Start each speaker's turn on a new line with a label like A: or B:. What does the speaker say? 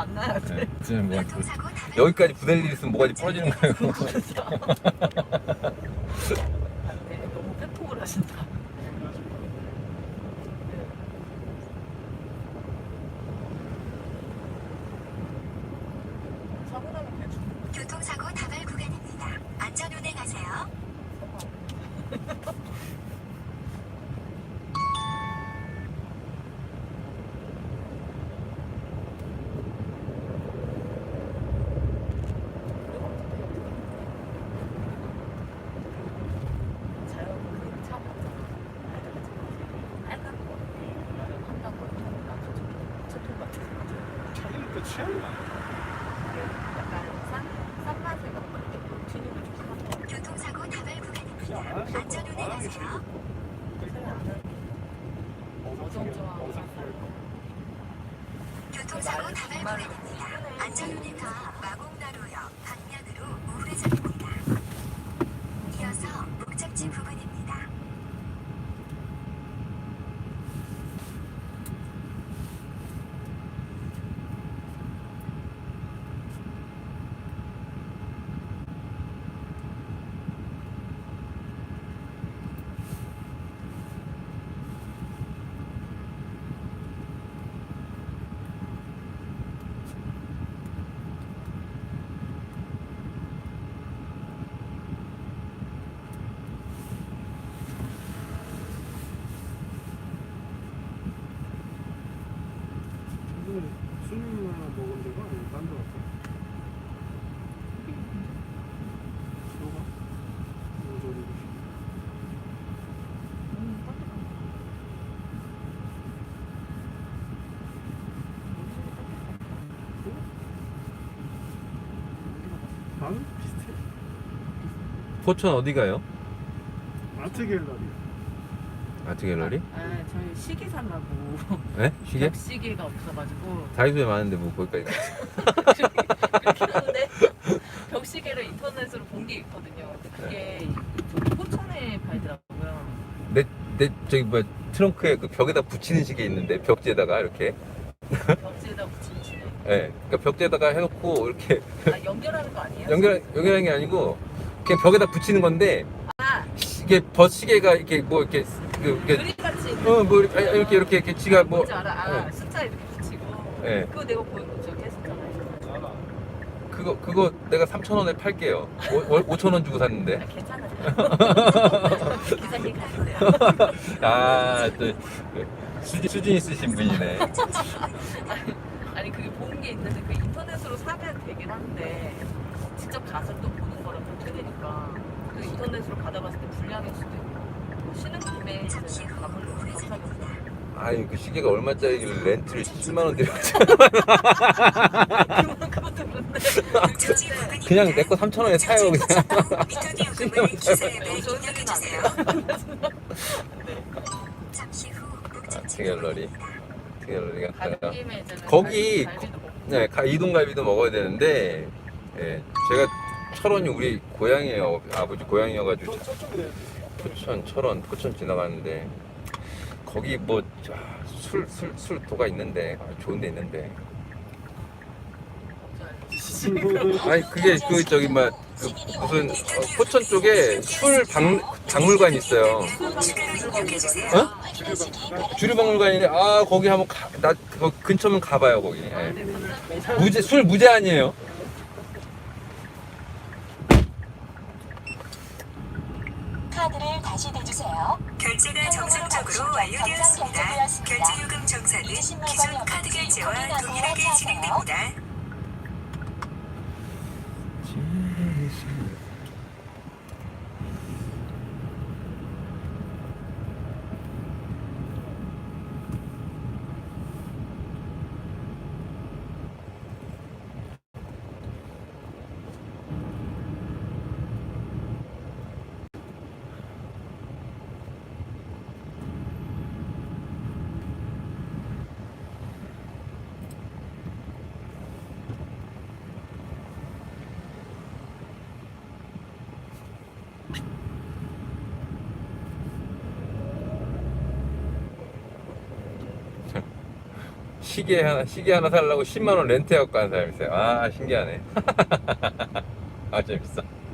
A: 만나야 돼.
B: 네, 지금 뭐 여기까지 부댈 일 있으면 뭐가지 부러지는 거예요.
A: 네, 너무 빼폭을 하신다. 사고 나면 대충.
C: 교통사고 다발 구간입니다. 안전 운행하세요.
D: 차이니까 취향이야.
C: 교통사고 다발 구간입니다. 안전 운행하세요. 교통사고 다발 구간입니다. 안전 운행하 마곡나루역 방면으로 우회전입니다. 이어서 목적지 부근입니다.
D: 수능이나 먹은 데가 아니면 딴데 갔어? 너가? 모조리. 나는 비슷해.
B: 포천 어디 가요?
D: 아트 갤러리.
B: 아트 갤러리?
A: 저희 시계 살라고.
B: 네? 시계?
A: 시계가 없어가지고.
B: 다이소에 많은데 뭐 거기까지 갔어.
A: 그렇긴 한데 벽시계를 인터넷으로 본 게 있거든요. 그게 저기 포천에 팔더라고요.
B: 내 저기 뭐 트렁크에 그 벽에다 붙이는 시계 있는데 벽지에다가 이렇게.
A: 벽지에다 붙이는 시계.
B: 예. 그러니까 벽지에다가 해놓고 이렇게
A: 아, 연결하는 거 아니에요?
B: 연결하는 게 아니고 그냥 벽에다 붙이는 건데
A: 아,
B: 이게 버시계가 이렇게 뭐 이렇게 이렇게
A: 그림같이
B: 뭐 이렇게 지가 뭐
A: 뭔지 알아? 아,
B: 예.
A: 숫자 이렇게 붙이고.
B: 예.
A: 그거 내가 보여줘. 저기 했었잖아요.
B: 그거 내가 3,000원에 팔게요. 5,000원 주고 샀는데.
A: 아, 괜찮아요. 기사님 가세요.
B: 아, 또 수준 있으신 분이네.
A: 아니 그게 본 게 있는데 그 인터넷으로 사면 되긴 한데 직접 가서 또 보는 거랑 좀 틀리니까 그 인터넷으로 받아봤을 때 불량일 수도 있고 쉬는 김에
C: 잠시 후
A: 가물로
C: 우회전입니다.
B: 아니 그 시계가 얼마짜리길래 렌트를 17만 원 들여가지고
A: 그것도 그런데
C: 목적지 부근입니다.
B: 그냥 내 거 3,000원에 사요 그냥.
C: 미터디 요금을 기사앱에 입력해주세요. 잠시 후 목적지
B: 갤러리.
C: 부근입니다.
B: 갤러리가
A: 가는
B: 가요.
A: 김에 이제는
B: 거기
A: 갈비도 먹고.
B: 네, 이동갈비도 먹어야 되는데 예, 제가 철원이 우리 고향이에요. 아버지 고향이어가지고
D: 저쪽에
B: 포천 지나가는데 거기 뭐 술도가 있는데 좋은 데 있는데 아니 그게 그 저기 막 그 무슨 포천 쪽에 박물관 있어요.
C: 추가로 입력해주세요.
B: 어? 주류박물관인데 아 거기 한번 나 그거 근처면 가봐요 거기. 예. 술 무제 아니에요?
C: 카드를 다시 대주세요. 결제가 정상적으로 완료되었습니다. 결제 요금 정산은 기존 카드 결제와 동일하게 진행됩니다.
B: 시계 하나 살려고 10만 원 렌트해갖고 간 사람이 있어요. 아, 신기하네. 아, 재밌어.